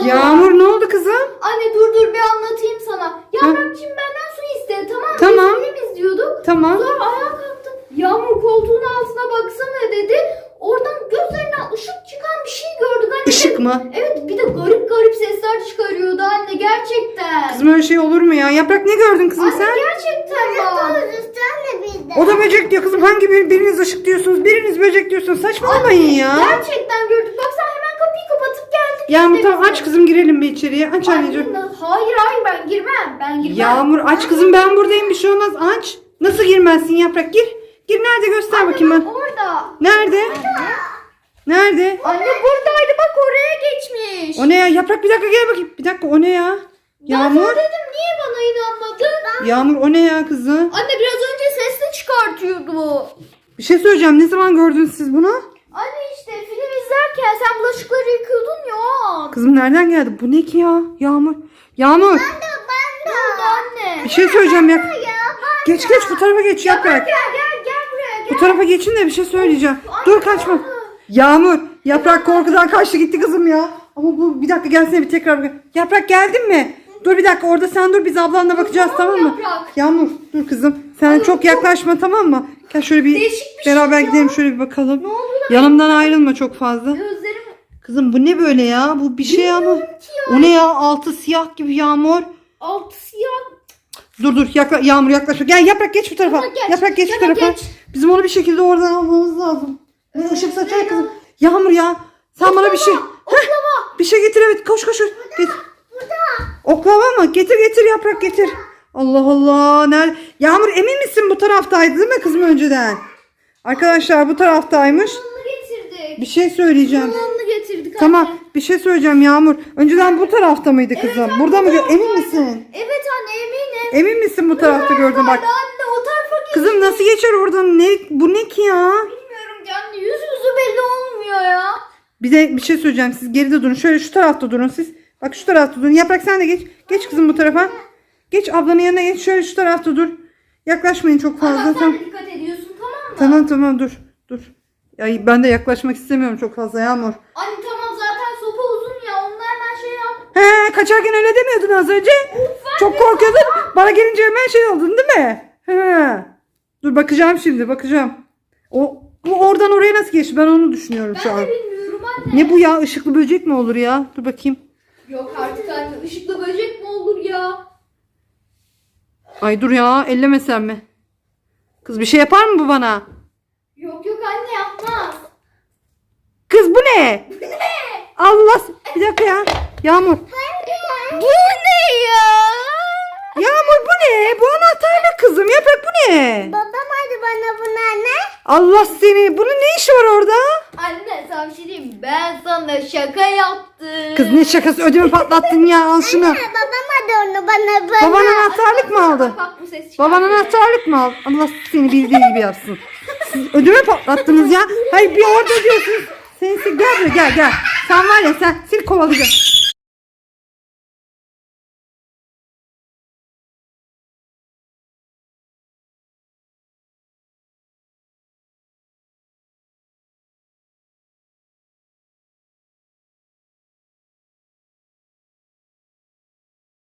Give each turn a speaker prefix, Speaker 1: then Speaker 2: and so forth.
Speaker 1: Yağmur ne oldu kızım?
Speaker 2: Anne dur bir anlatayım sana. Yaprakçığım benden su istedi, tamam mı?
Speaker 1: Tamam.
Speaker 2: Biz film izliyorduk.
Speaker 1: Tamam.
Speaker 2: Sonra ayağa kalktı. Yağmur koltuğun altına baksana dedi. Oradan gözlerinden ışık çıkan bir şey gördük anne.
Speaker 1: Işık mı?
Speaker 2: Evet, bir de garip sesler çıkarıyordu anne, gerçekten.
Speaker 1: Kızım öyle şey olur mu ya? Yaprak ne gördün kızım
Speaker 2: Anne
Speaker 1: sen?
Speaker 2: gerçekten bak.
Speaker 1: O da böcek diyor kızım. Hangi biriniz ışık diyorsunuz, biriniz böcek diyorsunuz. Saçmalamayın ya.
Speaker 2: Gerçekten gördük. Bak sen hemen kapıyı kapatıp geldik.
Speaker 1: Yağmur
Speaker 2: işte
Speaker 1: tamam
Speaker 2: biz de.
Speaker 1: aç kızım girelim bir içeriye. Aç anneciğim.
Speaker 2: Hayır ben girmem. Ben girmem.
Speaker 1: Yağmur aç kızım ben buradayım bir şey olmaz aç. Nasıl girmezsin Yaprak gir. Gir nerede göster
Speaker 2: Anne,
Speaker 1: bakayım
Speaker 2: bak
Speaker 1: ben.
Speaker 2: orada.
Speaker 1: Nerede? Nerede?
Speaker 2: Anne buradaydı, bak oraya geçmiş.
Speaker 1: O ne ya? Yaprak bir dakika gel bakayım. Bir dakika o ne ya?
Speaker 2: Ben
Speaker 1: Yağmur.
Speaker 2: sana dedim, niye bana inanmadın?
Speaker 1: Yağmur o ne ya kızım?
Speaker 2: Anne biraz önce sesli çıkartıyordu.
Speaker 1: Bir şey söyleyeceğim. Ne zaman gördünüz siz bunu?
Speaker 2: Anne işte film izlerken sen bulaşıkları yıkıyordun ya o an.
Speaker 1: Kızım nereden geldi? Bu ne ki ya? Yağmur. Yağmur.
Speaker 2: Ne oldu anne?
Speaker 1: Bir şey söyleyeceğim ya. Geç bu tarafa geç Yaprak.
Speaker 2: Gel buraya
Speaker 1: Bu tarafa geçin de bir şey söyleyeceğim. Dur kaçma. Yağmur. Yaprak korkudan kaçtı gitti kızım ya. Ama bu bir dakika gelsene bir tekrar. Yaprak geldin mi? Dur bir dakika orada sen dur biz ablanla bakacağız tamam mı?
Speaker 2: Yaprak.
Speaker 1: Yağmur dur kızım. Sen çok yaklaşma tamam mı? Gel şöyle bir
Speaker 2: Değişik bir şey
Speaker 1: beraber
Speaker 2: ya.
Speaker 1: gidelim şöyle bir bakalım.
Speaker 2: Ne oldu lan?
Speaker 1: Yanımdan ayrılma çok fazla.
Speaker 2: Gözlerim
Speaker 1: Kızım bu ne böyle ya? Bu bir şey ama.
Speaker 2: ya.
Speaker 1: O ne ya? Altı siyah gibi Yağmur.
Speaker 2: altı siyah.
Speaker 1: Dur Yağmur yaklaşma. Gel Yaprak geç bu tarafa.
Speaker 2: Tamam, geç.
Speaker 1: Yaprak geç bu
Speaker 2: Tamam,
Speaker 1: tarafa.
Speaker 2: geç.
Speaker 1: Bizim onu bir şekilde oradan almamız lazım. Ne ışık saçar kızım. Yağmur ya. Sen bana bir şey.
Speaker 2: Oklava.
Speaker 1: Bir şey getir evet. Koş. Getir. Oklava mı? Getir Yaprak getir. Allah Allah. Nerede? Yağmur emin misin bu taraftaydı değil mi kızım önceden? Arkadaşlar bu taraftaymış.
Speaker 2: Bunu getirdik.
Speaker 1: Bir şey söyleyeceğim.
Speaker 2: Bunu getirdik
Speaker 1: Tamam
Speaker 2: anne.
Speaker 1: bir şey söyleyeceğim Yağmur. Önceden bu tarafta mıydı kızım?
Speaker 2: anne,
Speaker 1: Burada mı?
Speaker 2: bu taraftaydı.
Speaker 1: Emin misin?
Speaker 2: Evet anne eminim.
Speaker 1: Emin misin bu tarafta gördün bak.
Speaker 2: Anne o tarafa git.
Speaker 1: Kızım nasıl geçer oradan? Bu ne ki ya?
Speaker 2: Bilmiyorum ki anne, yüzümüzü belli olmuyor ya.
Speaker 1: Bir de bir şey söyleyeceğim. Siz geride durun. Şöyle şu tarafta durun siz. Bak şu tarafta durun. Yaprak sen de geç. Geç kızım bu tarafa. Geç ablanın yanına geç. Şöyle şu tarafta dur. Yaklaşmayın çok fazla.
Speaker 2: Ama sen
Speaker 1: Tamam.
Speaker 2: de dikkat ediyorsun, tamam mı?
Speaker 1: Tamam dur. Ya ben de yaklaşmak istemiyorum çok fazla Yağmur.
Speaker 2: Anne tamam, zaten sopa uzun ya, onunla hemen şey yap.
Speaker 1: He kaçarken öyle demiyordun az önce. Çok korkuyordun. Bana gelince hemen şey oldun değil mi? He. Dur bakacağım şimdi bakacağım. Bu oradan oraya nasıl geçti? Ben onu düşünüyorum şu
Speaker 2: Ben
Speaker 1: an.
Speaker 2: de bilmiyorum anne.
Speaker 1: Ne bu ya? Işıklı böcek mi olur ya? Dur bakayım.
Speaker 2: Yok artık anne, ışıklı böcek mi olur ya?
Speaker 1: Ay dur ya ellemesem mi? Kız bir şey yapar mı bu bana?
Speaker 2: Yok anne, yapmaz.
Speaker 1: Kız bu ne? Allah bir dakika ya. Yağmur.
Speaker 2: Bu ne ya?
Speaker 1: Yağmur bu ne? Bu anahtarlık kızım. Yaprak bu ne?
Speaker 2: Babam hadi bana bunu ne?
Speaker 1: Allah seni. Bunun ne işi var orada?
Speaker 2: Anne sana bir şey diyeyim mi? Ben sana şaka yaptım.
Speaker 1: Kız ne şakası ödümü patlattın ya al şunu.
Speaker 2: Babam hadi onu bana.
Speaker 1: Baban anahtarlık mı aldı?
Speaker 2: Bak bu ses çıkar.
Speaker 1: Baban anahtarlık mı aldı? Allah seni bildiği gibi yapsın. Siz ödümü patlattınız ya. Hayır bir orada diyorsunuz. Gel buraya gel. Sen var ya seni kovalayacağım.